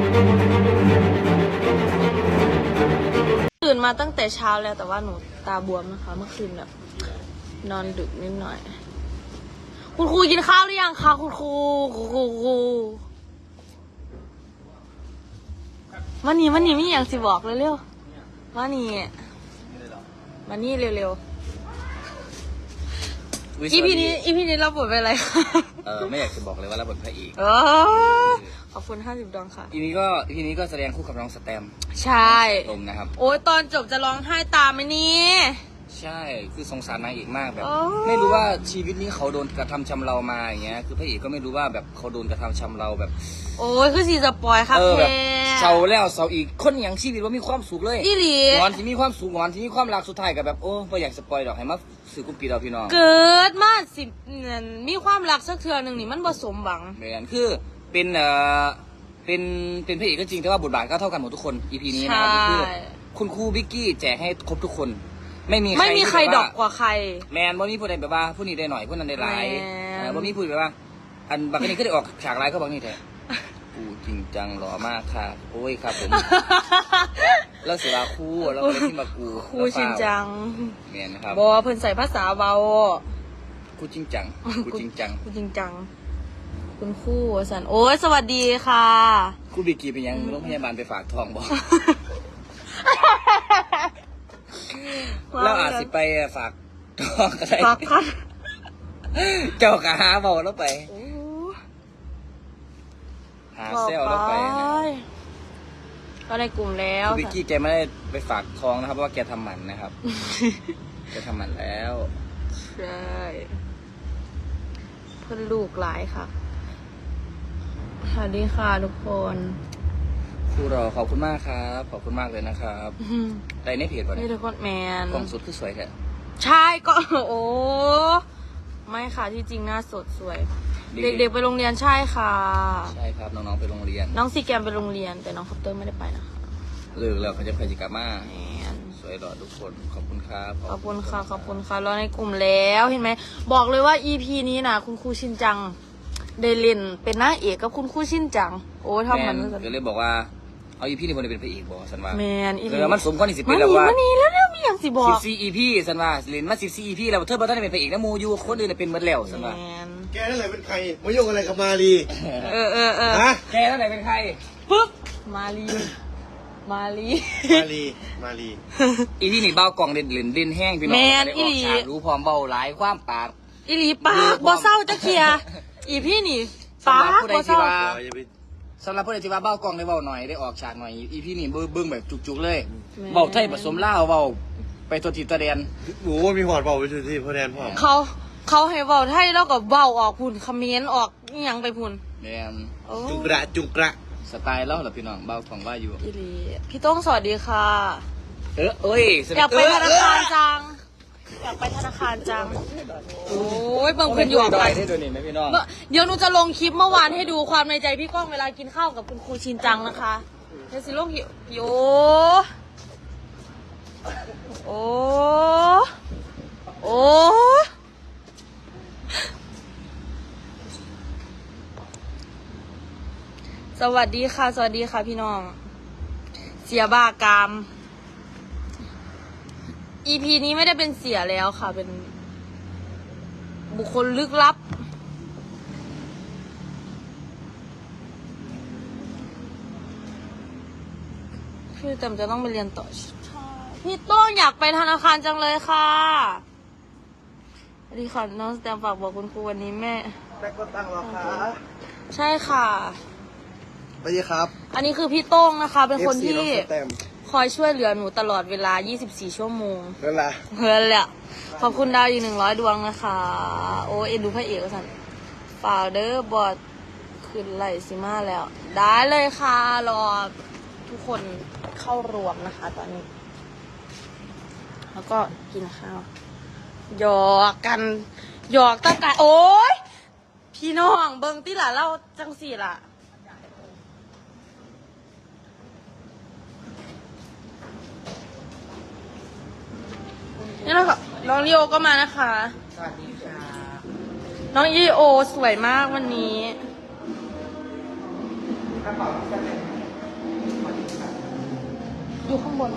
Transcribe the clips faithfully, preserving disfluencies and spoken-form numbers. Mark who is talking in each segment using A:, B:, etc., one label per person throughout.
A: ตื่นมาตั้งแต่เช้าแล้วแต่ว่าหนูตาบวมนะคะเมื่อคืนแบบนอนดึกนิดหน่อยคุณครูกินข้าวหรือยังคะคุณครูครูครูครูวันนี้วันนี้มีอย่างสิบอกเร็วๆวันนี้วันนี้เร็วๆอีพีนี้อีพีนี้เราบทเป็นอะไรคะ
B: เออไม่อยากจะบอกเลยว่าเราบทพระเอก
A: ขอบคุณห้าสิบดวงค่ะ
B: อีนี้ก็อีนี้ก็แสดงคู่กับน้องสแตม
A: ใช่
B: ตรงนะครับ
A: โอ้ยตอนจบจะร้องไห้ตามไหมนี่
B: ใช่คือสงสารนางเอกมากแบบไม่รู้ว่าชีวิตนี้เขาโดนกระทำชำเรามาอย่างเงี้ยคือพระเอกก็ไม่รู้ว่าแบบเขาโดนกระทำชำเราแบบ
A: โอ้ยคือสีสปอยครับแ
B: ค่เศร้าแล้วเศร้าอีกคนอย่างชีวิตว่ามีความสุขเลย
A: อีหลี
B: งอนที่มีความสุขงอนที่มีความรักสุดท้ายกับแบบโอ้ไม่อยากสปอยดอกให้มาสื่อกุ๊ปปีเราพี่น้อง
A: เกิดมาสิมีความรักสักเทือหนึ่งนี่มันผสมหวัง
B: เหมือนคือเป็นเอ่อเป็นเป็นพระเอกก็จริงแต่ว่าบทบาทก็เท่ากันหมดทุกคน อี พี นี้นะครับคือคุณครูบิ๊กกี้แจกให้ครบทุกคนไม่มี
A: ไม่มีใครดอกกว่าใคร
B: แมนบ่มีผู้ใดแบบว่าผู้นี้ได้หน่อยผู้นั้นได้หลายบ่มีผู้แบบว่าอันบักนี้ก็ได้ออกฉากร้ายก็บักนี้แท้กูจริงจังหล่อมากค่ะโอ้ยครับผมแล้วเสียว่าครูแล้วก็เลยที่มากู
A: ครูจริงจัง
B: แมนนะครับ
A: บอเพิ่นใส่ภาษาเบา
B: กูจริงจังกูจริงจัง
A: กูจริงจังคุณครูสันโอ้ยสวัสดีค่ะ
B: ครูบิ๊กกี้เป็นยังโรงพยาบาลไปฝากทองบอกแล้วอาจสิไปฝากทองอะไร
A: ฝากพัน
B: เจ้ากะหาบอกแล้วไปหาเซลแล้วไป
A: ก็ในกลุ่มแล้ว
B: คุณวิกกี้แกไม่ได้ไปฝากทองนะครับเพราะว่าแกทำหมันนะครับแกทำหมันแล้ว
A: ใช่เพื่อนลูกหลายค่ะสวัสดีค่ะทุกคน
B: ครูรอขอบคุณมากครับขอบคุณมากเลยนะครับในในเพจป่ะ
A: นี่ทุกคนแมน
B: กล่องสุดคือสวยแค่
A: ใช่ก็โอ้ไม่ค่ะที่จริงหน้าสดสวยเด็กๆไปโรงเรียนใช่ค่ะ
B: ใช่ครับน้องๆไปโรงเรียน
A: น้องซีแกมไปโรงเรียนแต่น้องคอปเตอร์ไม่ได้ไปนะคะ
B: เลิกแล้วเขาจะไปจิกาม่าสวยหล่อทุกคนขอบคุณครับ
A: ขอบคุณค่ะขอบคุณค่ะรอในกลุ่มแล้วเห็นไหมบอกเลยว่า อี พี นี้นะคุณครูชินจังได้เล่นเป็นนางเอกกับคุณครูชินจังโอ้ทำมัน
B: เดี๋ยวเลยบอกว่าเอา อี พี นี่คนเป็นพระเอกบอกสันว่า
A: แมน
B: เออมันสมควรที่สิเป็นแล้วว่า
A: มันนี่แล้วเนี่ยมีอย่างสิบอก
B: สิบสี่ อี พี สันว่าเล่นมาสิบสี่ อี พี แล้วเธอบอกท่านเป็นพระเอกนะมูยูคนอื่นเป็นเมื่อแล้วสันว่า
C: แกนั่นแหละเป็นใครมายุ่งอะไรกับมาลี
A: เออเออเออ
C: ฮะ
B: แกนั่นไหนเป็นใคร
A: ปึ๊บมาลีมาลี
C: มาลีมาลี
B: อีที่นี่เบากล่องเด่นเด่นเด่นแห้งพี่น้องได้ออกฉากรู้พร้อมเบาหลายความปาก
A: อีหลีปากบ่เศร้าจะเคลียร์อีพี่นี่ปากบ่เศร้า
B: สำหรับผู้ใดที่ว่าเบากล่องได้เบาหน่อยได้ออกฉากหน่อยอีพี่นี่เบิ้งแบบจุกๆเลยเบาไทยผสมล่าเบาไปตัวทีตัวแดน
C: โอ้มีหอดเบาไปตัวทีตัวแดนพ่อ
A: เขาเขาให้เบาไทยแล้วก็เบาออกพุ่นคอมเมนต์ออกยังไปพุ่น
B: แดน
C: จุกระจุกระ
B: สไตล์แล้วเหรอพี่น้องเบากล่องว่าอยู่
A: อีหลีพี่ต้องสวัสดีค่ะ
B: เออเอ้ย
A: อยากไปธนาคารจังอยากไปธนาคารจังโอ้ยบางคนอยู่
B: กันได้ดูนี่ไหมพี่น้อง
A: เดี๋ยวหนูจะลงคลิปเมื่อวานให้ดูความในใจพี่ก้องเวลากินข้าวกับคุณครูชินจังนะคะเดี๋ยวสิลงหิวโยโอ้โอ้สวัสดีค่ะสวัสดีค่ะพี่น้องเสียบ้ากาม อี พี นี้ไม่ได้เป็นเสียแล้วค่ะเป็นบุคคลลึกลับพี่จำจะต้องไปเรียนต่อพี่โต้งอยากไปธนาคารจังเลยค่ะสวัสดีค่ะน้องสแตมฝากบอกคุณครูวันนี้แม่
C: แม่ก็ตั้งรอค่ะ
A: ใช่ค่ะ
C: สวัสดีครับ
A: อันนี้คือพี่โต้งนะคะเป็นคนที่คอยช่วยเหลือหนูตลอดเวลายี่สิบสี่ชั่วโมง
C: เพื่อนละ
A: เพื่อนแหละขอบคุณดาวอีกหนึ่งร้อยดวงนะคะโอ้เอ็นดูพระเอกสันฝากเดอร์บอดขึ้นไหลซิมาแล้วได้เลยค่ะรอทุกคนเข้ารวมนะคะตอนนี้แล้วก็กินข้าวหยอกกันหยอกตั้งแต่โอ๊ยพี่น้องเบิ้งที่หล่ะเล่าจังสี่ล่ะนี่นะคะน้องลีโอก็มานะคะ
B: สวัสดีค่ะ
A: น้องลีโอสวยมากวันนี้อยู่ข้างบน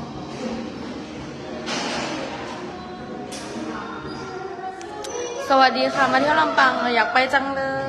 A: สวัสดีค่ะ มาเที่ยวลำปางอยากไปจังเลย